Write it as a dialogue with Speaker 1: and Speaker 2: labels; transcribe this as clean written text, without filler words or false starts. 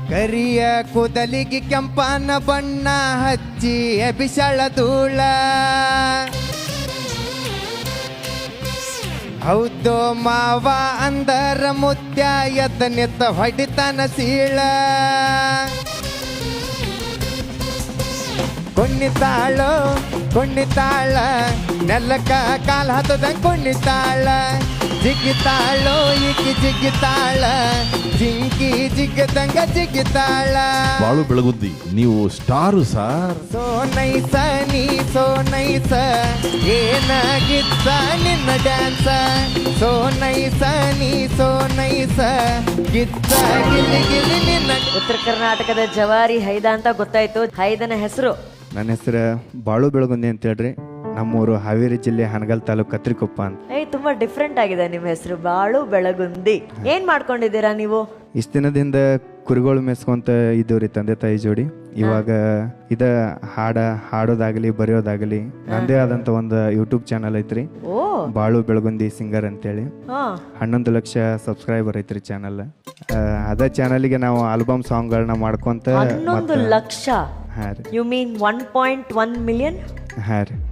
Speaker 1: ಕರಿಯ ಕೂದಲಿಗೆ ಕೆಂಪನ ಬಣ್ಣ ಹಚ್ಚಿ ಬಿಸಳ ಧೂಳ ಹೌದು ಮಾವ ಅಂದರ ಮುತ್ಯ ಎತ್ತ ಹೊಡಿತನ ಸೀಳ ಕುಣ್ಣಿತಾಳ ನೆಲ್ಲಕ್ಕ ಕಾಲ ಹತ್ತದಂಗ ಕುಣ್ಣಿತಾಳ ಜಿಗಿತಾಳೋ ಈಕಿ ಜಿಗಿತಾಳ ಜಿಂಕಿ ಜಿಗ್ಗದಂಗ ಜಿಗಿತಾಳ.
Speaker 2: ಬಾಳು ಬೆಳಗುದ್ದಿ ನೀವು ಸ್ಟಾರು ಸಾರ್.
Speaker 1: ಸೋನೈಸ ನೀ ಸೋನೈಸ ಏನಾಗಿತ್ತ ನಿನ್ನ ಡ್ಯಾನ್ಸ ಸೋನೈಸ ನೀ ಸೋನೈಸ ಗಿತ್ತ ಗಿಲಿ ಗಿಲಿ ನಿನ್ನ.
Speaker 3: ಉತ್ತರ ಕರ್ನಾಟಕದ ಜವಾರಿ ಹೈದ ಅಂತ ಗೊತ್ತಾಯ್ತು. ಹೈದನ ಹೆಸರು?
Speaker 1: ನನ್ನ ಹೆಸರು ಬಾಳು ಬೆಳಗುಂದಿ ಅಂತ ಹೇಳ್ರಿ. ನಮ್ಮೂರು ಹಾವೇರಿ ಜಿಲ್ಲೆ ಹನಗಲ್ ತಾಲೂಕು ಕತ್ರಿಕೊಪ್ಪ ಅಂತ.
Speaker 3: ತುಂಬಾ ಡಿಫ್ರೆಂಟ್ ಆಗಿದೆ ನಿಮ್ಮ ಹೆಸರು, ಬಾಳು ಬೆಳಗುಂದಿ. ಏನ್ ಮಾಡ್ಕೊಂಡಿದ್ದೀರಾ ನೀವು?
Speaker 1: ಇಷ್ಟ ದಿನದಿಂದ ಕುರಿಗಳು ಮೆಸ್ಕೊಂತ ಇದ್ದವ್ರಿ ತಂದೆ ತಾಯಿ ಜೋಡಿ. ಇವಾಗ ಹಾಡೋದಾಗಲಿ ಬರೆಯೋದಾಗಲಿ ನಂದೇ ಆದಂತ ಒಂದು ಯೂಟ್ಯೂಬ್ ಚಾನಲ್ ಐತ್ರಿ, ಬಾಳು ಬೆಳಗುಂದಿ ಸಿಂಗರ್ ಅಂತೇಳಿ. 11 ಲಕ್ಷ ಸಬ್ಸ್ಕ್ರೈಬರ್ ಐತ್ರಿ ಚಾನಲ್. ಅದ ಚಾನಲ್ಗೆ ನಾವು ಆಲ್ಬಮ್ ಸಾಂಗ್ಗಳನ್ನ ಮಾಡ್ಕೊಂತ.
Speaker 3: 11 ಲಕ್ಷ?
Speaker 1: ಹಾ ರೀ.
Speaker 3: You mean 1.1 million?
Speaker 1: ಹಾ ರೀ.